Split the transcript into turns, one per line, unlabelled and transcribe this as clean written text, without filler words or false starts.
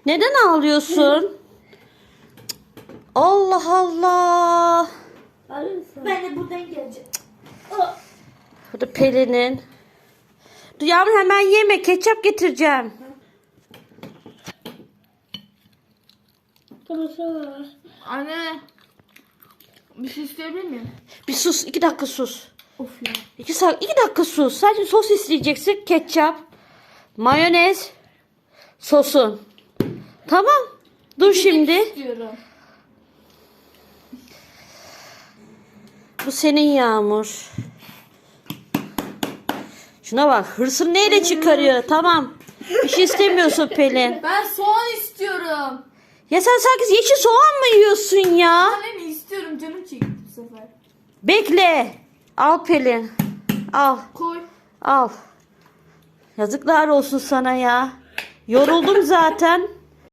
Neden ağlıyorsun? Allah Allah.
Ben de buradan geleceğim.
Bu da Pelin'in. Dur yavrum, hemen yeme. Ketçap getireceğim.
Anne. Bir şey isteyebilir miyim?
Bir sus. 2 dakika sus.
Of ya.
2 dakika sus. Sadece sos isteyeceksin. Ketçap, mayonez, sosun. Tamam. Dur şimdi.
İstiyorum.
Bu senin Yağmur. Şuna bak. Hırsını neyle çıkarıyor? Tamam. Bir şey istemiyorsun Pelin.
Ben soğan istiyorum.
Ya sen sanki yeşil soğan mı yiyorsun ya?
Anne mi istiyorum, canım çekti bu sefer.
Bekle. Al Pelin. Al.
Koy.
Al. Yazıklar olsun sana ya. Yoruldum zaten.